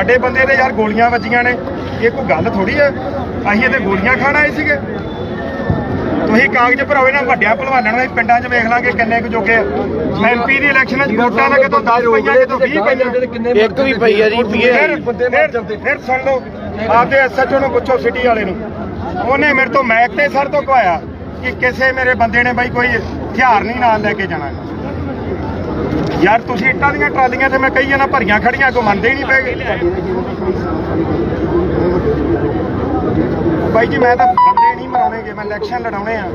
ਸਾਡੇ ਬੰਦੇ ਦੇ ਯਾਰ ਗੋਲੀਆਂ ਵੱਜੀਆਂ ਨੇ, ਇਹ ਕੋਈ ਗੱਲ ਥੋੜੀ ਹੈ। ਅਸੀਂ ਇਹਦੇ ਗੋਲੀਆਂ ਖਾਣ ਆਏ ਸੀਗੇ। ਤੁਸੀਂ ਕਾਗਜ਼ ਭਰਾਓ ਇਹਨਾਂ ਵੱਡਿਆਂ ਭਲਵਾਨਾਂ ਨੂੰ, ਪਿੰਡਾਂ 'ਚ ਵੇਖ ਲਾਂਗੇ ਕਿੰਨੇ ਕੁ ਜੋਗੇ ਆ। MP ਦੀ ਇਲੈਕਸ਼ਨ 'ਚ ਵੋਟਾਂ ਦਾ ਕਿਤੋਂ 10 ਪਈਆਂ, ਕਿਤੋਂ 20 ਪਈਆਂ, ਇੱਕ ਵੀ ਪਈ ਆ ਜੀ। ਫਿਰ ਸੁਣ ਲਓ, ਆਪਦੇ SHO ਨੂੰ ਪੁੱਛੋ ਸਿਟੀ ਵਾਲੇ ਨੂੰ, ਉਹਨੇ ਮੇਰੇ ਤੋਂ ਮੈਕ ਤੇ ਸਰ ਤੋਂ ਕਹਾਇਆ ਕਿ ਕਿਸੇ ਮੇਰੇ ਬੰਦੇ ਨੇ ਬਾਈ ਕੋਈ ਹਥਿਆਰ ਨਹੀਂ ਨਾਲ ਲੈ ਕੇ ਜਾਣਾ। ਯਾਰ ਤੁਸੀਂ ਇੱਟਾਂ ਦੀਆਂ ਟਰਾਲੀਆਂ ਤੇ ਮੈਂ ਕਹੀ ਜਾਂਦਾ ਭਰੀਆਂ ਖੜੀਆਂ, ਕੋਈ ਮੰਨਦੇ ਹੀ ਨਹੀਂ ਪਏ। ਬਾਈ ਜੀ ਮੈਂ ਤਾਂ ਬੰਦੇ ਨਹੀਂ ਮਰਾਉਣੇਗੇ, ਮੈਂ ਇਲੈਕਸ਼ਨ ਲੜਾਉਣੇ ਆ।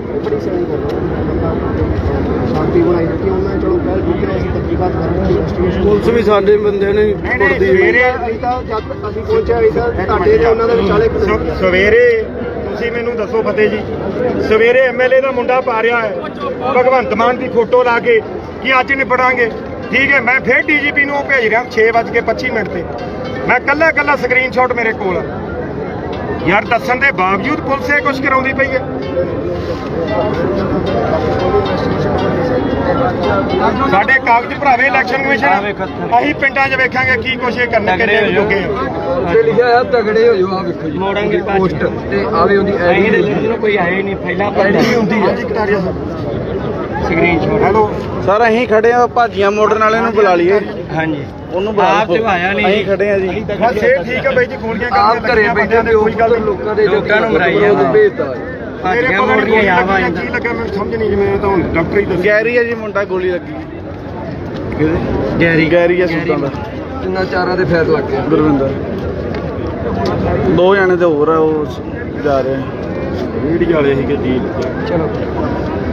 ਸ਼ਾਂਤੀ ਬਣਾਈ ਰੱਖੀ ਉਹਨਾਂ ਨੇ, ਚਲੋ ਪਹਿਲ ਕੀਤੀ, ਅਸੀਂ ਤਹਿਕੀਕਾਤ ਕਰਾਂਗੇ। ਪੁਲਿਸ ਵੀ ਸਾਡੇ ਬੰਦੇ ਨੇ ਕੁੱਟਦੀ। ਸਵੇਰੇ ਜਦ ਅਸੀਂ ਪਹੁੰਚਿਆ ਤੁਹਾਡੇ ਤੇ ਉਹਨਾਂ ਦੇ ਵਿਚਾਲੇ ਸਵੇਰੇ ਤੁਸੀਂ ਮੈਨੂੰ ਦੱਸੋ ਫਤਿਹ ਜੀ, ਸਵੇਰੇ MLA ਦਾ ਮੁੰਡਾ ਪਾ ਰਿਹਾ ਹੈ ਭਗਵੰਤ ਮਾਨ ਦੀ ਫੋਟੋ ਲਾ ਕੇ ਕਿ ਅੱਜ ਨਿਬੜਾਂਗੇ। ਠੀਕ ਹੈ, ਮੈਂ ਫਿਰ DGP ਨੂੰ ਭੇਜ ਰਿਹਾ 6:25 ਤੇ। ਮੈਂ ਕੱਲਾ ਸਕਰੀਨਸ਼ਾਟ ਮੇਰੇ ਕੋਲ। ਯਾਰ ਦੱਸਣ ਦੇ ਬਾਵਜੂਦ ਪੁਲਿਸ ਇਹ ਕੁਛ ਕਰਾਉਂਦੀ ਪਈ ਹੈ। ਸਾਡੇ ਕਾਗਜ਼ ਭਰਾਵੇ ਇਲੈਕਸ਼ਨ ਕਮਿਸ਼ਨ, ਅਸੀਂ ਪਿੰਡਾਂ 'ਚ ਵੇਖਾਂਗੇ ਕੀ ਕੁਛ ਇਹ ਕਰਨਾ ਕਿੰਨੇ ਜੋਗੇ ਆ। ਲਿਖਿਆ ਹੈ ਤਗੜੇ ਹੋ ਜਾਓ, ਆ ਵੇਖੋ ਜੀ ਮੋੜਾਂਗੇ ਪੋਸਟ ਤੇ ਆਵੇ ਉਹਦੀ ਨੂੰ ਕੋਈ ਆਏ ਨਹੀਂ, ਪਹਿਲਾਂ ਹੁੰਦੀ ਹੈ ਕਟਾਰੀਆ ਸਕਰੀਨਸ਼ਾਟ। ਹੈਲੋ ਸਰ, ਅਸੀਂ ਖੜੇ ਆ, ਭਾਜੀਆਂ ਮੋੜਨ ਵਾਲੇ ਨੂੰ ਬੁਲਾ ਲਈਏ। ਹਾਂਜੀ, ਉਹਨੂੰ ਆਪ ਤੇ ਆਇਆ ਨਹੀਂ, ਅਸੀਂ ਖੜੇ ਆ ਜੀ। ਬਸ ਇਹ ਠੀਕ ਹੈ ਬਾਈ ਜੀ, ਗੋਲੀਆਂ ਆਪ ਘਰੇ ਬੈਠੇ ਤੇ ਕੋਈ ਗੱਲ ਲੋਕਾਂ ਨੂੰ ਮਰਾਈ ਆ ਭੇਜਦਾ। ਮੇਰੇ ਕੋਲ ਗੋਲੀਆਂ ਕੀ ਲੱਗਾ ਮੈਨੂੰ ਸਮਝ ਨਹੀਂ, ਜਿਵੇਂ ਤਾਂ ਹੁਣ ਡਾਕਟਰ ਹੀ ਦੱਸਿਆ। ਗੈਰੀ ਆ ਜੀ ਮੁੰਡਾ, ਗੋਲੀ ਲੱਗੀ। ਗੈਰੀ ਆ ਸੁਲਤਾਨ ਦਾ। ਤਿੰਨਾਂ ਚਾਰਾਂ ਦੇ ਫੈਰ ਲੱਗ ਗਿਆ। ਗੁਰਵਿੰਦਰ 2 ਜਣੇ ਤੇ ਹੋਰ ਆ, ਉਹ ਜਾ ਰਹੇ ਮੀਡੀਆ ਵਾਲੇ ਸੀਗੇ ਜੀ। ਚਲੋ